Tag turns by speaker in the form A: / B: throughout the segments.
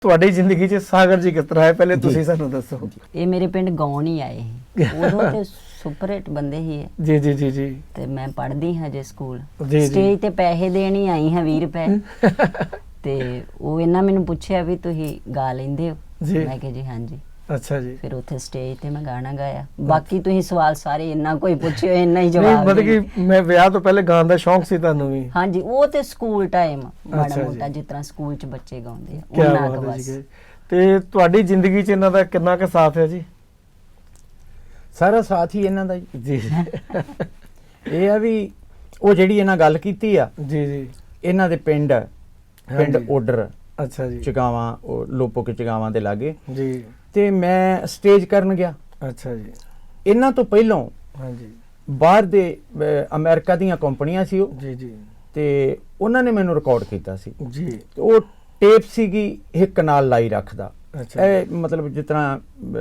A: ਤੁਹਾਡੀ ਜ਼ਿੰਦਗੀ 'ਚ ਸਾਗਰ ਜੀ ਕਿਸ ਤਰ੍ਹਾਂ ਹੈ ਪਹਿਲੇ ਤੁਸੀਂ ਸਾਨੂੰ ਦੱਸੋ।
B: ਇਹ ਮੇਰੇ ਪਿੰਡ ਗਾਉਣ ਹੀ ਆਏ ਸੀ ਉਦੋਂ ਤੇ ਸੁਪਰ ਹਿੱਟ ਬੰਦੇ ਹੀ ਹੈ
A: ਜੀ ਜੀ ਜੀ ਜੀ
B: ਤੇ ਮੈਂ ਪੜ੍ਹਦੀ ਹਾਂ ਜੇ ਸਕੂਲ
A: ਜੀ, ਜੀ।
B: ਸਟੇਜ ਤੇ ਪੈਸੇ ਦੇਣ ਹੀ ਆਈ ਹਾਂ 20 ਰੁਪਏ ਤੇ ਉਹ ਇਹਨਾਂ ਮੈਨੂੰ ਪੁੱਛਿਆ ਵੀ ਤੁਸੀਂ ਗਾ ਲੈਂਦੇ ਹੋ
A: ਜੀ।
B: ਮੈਂ ਕਿਹਾ ਜੀ ਹਾਂਜੀ।
A: ਅੱਛਾ ਜੀ।
B: ਫਿਰ ਉੱਥੇ ਸਟੇਜ ਤੇ ਮੈਂ ਗਾਣਾ ਗਾਇਆ। ਬਾਕੀ ਤੁਸੀਂ ਸਵਾਲ ਸਾਰੇ ਇੰਨਾ ਕੋਈ ਪੁੱਛਿਓ ਇੰਨਾ ਹੀ
A: ਨਹੀਂ
B: ਜਵਾਬ
A: ਮਤਲਬ
B: ਦੇਣਾ।
A: ਕਿ ਮੈਂ ਵਿਆਹ ਤੋਂ ਪਹਿਲੇ ਗਾਉਣ ਦਾ ਸ਼ੌਂਕ ਸੀ ਤੁਹਾਨੂੰ ਵੀ।
B: ਹਾਂਜੀ ਉਹ ਤੇ ਸਕੂਲ ਟਾਈਮ ਮਾੜਾ
A: ਅੱਛਾ ਜੀ।
B: ਮੋਟਾ ਜਿਸ ਤਰ੍ਹਾਂ ਸਕੂਲ 'ਚ ਬੱਚੇ ਗਾਉਂਦੇ ਆ
A: ਕੀ
B: ਉਹਨਾਂ ਕੁ
A: ਬਾਤ ਹੈ
B: ਬਸ।
A: ਜੀ। ਤੇ ਤੁਹਾਡੀ ਜ਼ਿੰਦਗੀ 'ਚ ਇਹਨਾਂ ਦਾ ਕਿੰਨਾ ਕੁ ਸਾਥ ਹੈ ਜੀ?
C: ਸਾਰਾ ਸਾਥ ਹੀ ਇਹਨਾਂ ਦਾ ਜੀ।
A: ਜੀ
C: ਇਹ ਆ ਵੀ ਉਹ ਜਿਹੜੀ ਇਹਨਾਂ ਗੱਲ ਕੀਤੀ ਆ
A: ਜੀ ਜੀ।
C: ਇਹਨਾਂ ਦੇ ਪਿੰਡ
A: ਹਾਂਜੀ।
C: ਓਡਰ
A: ਅੱਛਾ ਜੀ।
C: ਚਗਾਵਾਂ ਉਹ ਲੋਪੋ ਕੇ ਚਗਾਵਾਂ ਦੇ ਲਾਗੇ
A: ਜੀ।
C: ਤੇ ਮੈਂ ਸਟੇਜ ਕਰਨ ਗਿਆ।
A: ਅੱਛਾ ਜੀ।
C: ਇਹਨਾਂ ਤੋਂ ਪਹਿਲਾਂ
A: ਹਾਂਜੀ।
C: ਬਾਹਰ ਦੇ ਅਮਰੀਕਾ ਦੀਆਂ ਕੰਪਨੀਆਂ ਸੀ ਉਹ
A: ਜੀ ਜੀ
C: ਤੇ ਉਹਨਾਂ ਨੇ ਮੈਨੂੰ ਰਿਕਾਰਡ ਕੀਤਾ ਸੀ
A: ਜੀ।
C: ਤੇ ਉਹ ਟੇਪ ਸੀਗੀ ਇੱਕ ਨਾਲ ਲਾਈ ਰੱਖਦਾ।
A: ਅੱਛਾ।
C: ਇਹ ਮਤਲਬ ਜਿਸ ਤਰ੍ਹਾਂ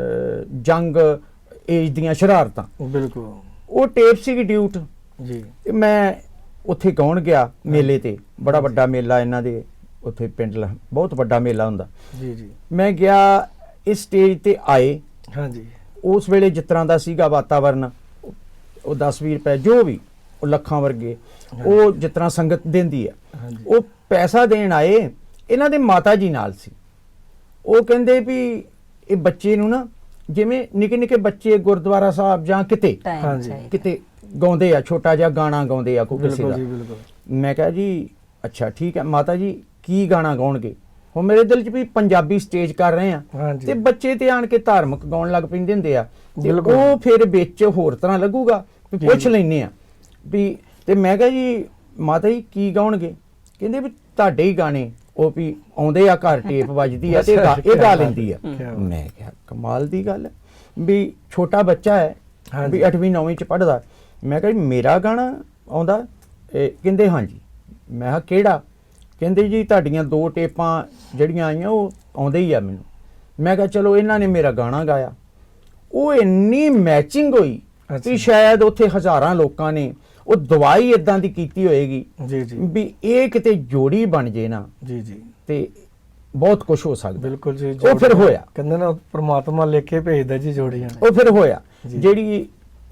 C: ਜੰਗ ਏਜ ਦੀਆਂ ਸ਼ਰਾਰਤਾਂ
A: ਬਿਲਕੁਲ।
C: ਉਹ ਟੇਪ ਸੀਗੀ ਡਿਊਟ।
A: ਜੀ।
C: ਤੇ ਮੈਂ ਉੱਥੇ ਗਾਉਣ ਗਿਆ ਮੇਲੇ ਤੇ। ਬੜਾ ਵੱਡਾ ਮੇਲਾ ਇਹਨਾਂ ਦੇ ਉੱਥੇ ਪਿੰਡ ਬਹੁਤ ਵੱਡਾ ਮੇਲਾ ਹੁੰਦਾ।
A: ਜੀ ਜੀ।
C: ਮੈਂ ਗਿਆ ਇਸ ਸਟੇਜ ਤੇ ਆਏ।
A: ਹਾਂਜੀ।
C: ਉਸ ਵੇਲੇ ਜਿਸ ਤਰ੍ਹਾਂ ਦਾ ਸੀਗਾ ਵਾਤਾਵਰਨ ਉਹ 10-20 ਰੁਪਏ ਜੋ ਵੀ ਉਹ ਲੱਖਾਂ ਵਰਗੇ ਉਹ ਜਿਸ ਤਰ੍ਹਾਂ ਸੰਗਤ ਦਿੰਦੀ ਆ
A: ਹਾਂਜੀ।
C: ਉਹ ਪੈਸਾ ਦੇਣ ਆਏ। ਇਹਨਾਂ ਦੇ ਮਾਤਾ ਜੀ ਨਾਲ ਸੀ। ਉਹ ਕਹਿੰਦੇ ਵੀ ਇਹ ਬੱਚੇ ਨੂੰ ਨਾ ਜਿਵੇਂ ਨਿੱਕੇ ਨਿੱਕੇ ਬੱਚੇ ਗੁਰਦੁਆਰਾ ਸਾਹਿਬ ਜਾਂ ਕਿਤੇ
A: ਹਾਂਜੀ।
C: ਕਿਤੇ ਗਾਉਂਦੇ ਆ ਛੋਟਾ ਜਿਹਾ ਗਾਣਾ ਗਾਉਂਦੇ ਆ ਕੋਈ ਕਿਸੇ
A: ਬਿਲਕੁਲ
C: ਦਾ।
A: ਜੀ ਬਿਲਕੁਲ।
C: ਮੈਂ ਕਿਹਾ ਜੀ ਅੱਛਾ ਠੀਕ ਹੈ ਮਾਤਾ ਜੀ ਕੀ ਗਾਣਾ ਗਾਉਣਗੇ? ਹੁਣ ਮੇਰੇ ਦਿਲ 'ਚ ਵੀ ਪੰਜਾਬੀ ਸਟੇਜ ਕਰ ਰਹੇ ਆ
A: ਹਾਂਜੀ।
C: ਤੇ ਬੱਚੇ ਤੇ ਆਣ ਕੇ ਧਾਰਮਿਕ ਗਾਉਣ ਲੱਗ ਪੈਂਦੇ ਹੁੰਦੇ ਆ ਤੇ
A: ਬਿਲਕੁਲ।
C: ਉਹ ਫਿਰ ਵਿੱਚ ਹੋਰ ਤਰ੍ਹਾਂ ਲੱਗੂਗਾ ਵੀ
A: ਜੀ,
C: ਪੁੱਛ
A: ਜੀ।
C: ਲੈਨੇ ਆ ਵੀ ਤੇ ਮੈਂ ਕਿਹਾ ਜੀ ਮਾਤਾ ਜੀ ਕੀ ਗਾਉਣਗੇ? ਕਹਿੰਦੇ ਵੀ ਤੁਹਾਡੇ ਹੀ ਗਾਣੇ ਉਹ ਵੀ ਆਉਂਦੇ ਆ ਘਰ ਟੇਪ ਵੱਜਦੀ ਆ ਤੇ ਇਹ ਗਾ ਲੈਂਦੀ ਆ। ਮੈਂ ਕਿਹਾ ਕਮਾਲ ਦੀ ਗੱਲ ਹੈ ਵੀ ਛੋਟਾ ਬੱਚਾ ਹੈ
A: ਹਾਂਜੀ।
C: ਵੀ 8ਵੀਂ 9ਵੀਂ ਚ ਪੜ੍ਹਦਾ। ਮੈਂ ਕਿਹਾ ਜੀ ਮੇਰਾ ਗਾਣਾ ਆਉਂਦਾ? ਕਹਿੰਦੇ ਹਾਂਜੀ। ਮੈਂ ਕਿਹਾ ਕਿਹੜਾ? ਕਹਿੰਦੇ ਜੀ ਤੁਹਾਡੀਆਂ 2 ਟੇਪਾਂ ਜਿਹੜੀਆਂ ਆਈਆਂ ਉਹ ਆਉਂਦੇ ਹੀ ਆ ਮੈਨੂੰ। ਮੈਂ ਕਿਹਾ ਚਲੋ ਇਹਨਾਂ ਨੇ ਮੇਰਾ ਗਾਣਾ ਗਾਇਆ। ਉਹ ਇੰਨੀ ਮੈਚਿੰਗ ਹੋਈ
A: ਅੱਛਾ।
C: ਵੀ ਸ਼ਾਇਦ ਉੱਥੇ ਹਜ਼ਾਰਾਂ ਲੋਕਾਂ ਨੇ ਉਹ ਦਵਾਈ ਇਦਾਂ ਦੀ ਕੀਤੀ ਹੋਏਗੀ
A: ਜੀ ਜੀ
C: ਵੀ ਇਹ ਕਿਤੇ ਜੋੜੀ ਬਣ ਜੇ ਨਾ
A: ਜੀ ਜੀ।
C: ਤੇ ਬਹੁਤ ਕੁਝ ਹੋ ਸਕਦਾ।
A: ਬਿਲਕੁਲ ਜੀ।
C: ਉਹ ਫਿਰ ਹੋਇਆ।
A: ਕਹਿੰਦੇ ਨਾ ਪ੍ਰਮਾਤਮਾ ਲਿਖ ਕੇ ਭੇਜਦਾ ਜੀ ਜੋੜੀਆਂ।
C: ਉਹ ਫਿਰ ਹੋਇਆ।
A: ਜੀ।
C: ਜਿਹੜੀ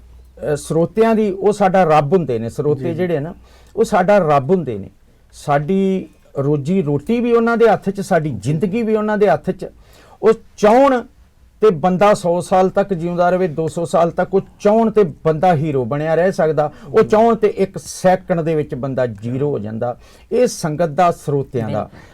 C: ਸਰੋਤਿਆਂ ਦੀ ਉਹ ਸਾਡਾ ਰੱਬ ਹੁੰਦੇ ਨੇ। ਸਰੋਤੇ ਜਿਹੜੇ ਨਾ ਉਹ ਸਾਡਾ ਰੱਬ ਹੁੰਦੇ ਨੇ। ਸਾਡੀ ਰੋਜੀ ਰੋਟੀ ਵੀ ਉਹਨਾਂ ਦੇ ਹੱਥ 'ਚ, ਸਾਡੀ ਜ਼ਿੰਦਗੀ ਵੀ ਉਹਨਾਂ ਦੇ ਹੱਥ 'ਚ। ਉਹ ਚਾਹੁਣ ਤੇ ਬੰਦਾ 100 ਸਾਲ ਤੱਕ ਜਿਉਂਦਾ ਰਹੇ, 200 ਸਾਲ ਤੱਕ। ਉਹ ਚਾਹੁਣ ਤੇ ਬੰਦਾ ਹੀਰੋ ਬਣਿਆ ਰਹਿ ਸਕਦਾ। ਉਹ ਚਾਹੁਣ ਤੇ 1 ਸੈਕਿੰਡ ਦੇ ਵਿੱਚ ਬੰਦਾ ਜ਼ੀਰੋ ਹੋ ਜਾਂਦਾ। ਇਹ ਸੰਗਤ ਦਾ ਸਰੋਤਿਆਂ ਦਾ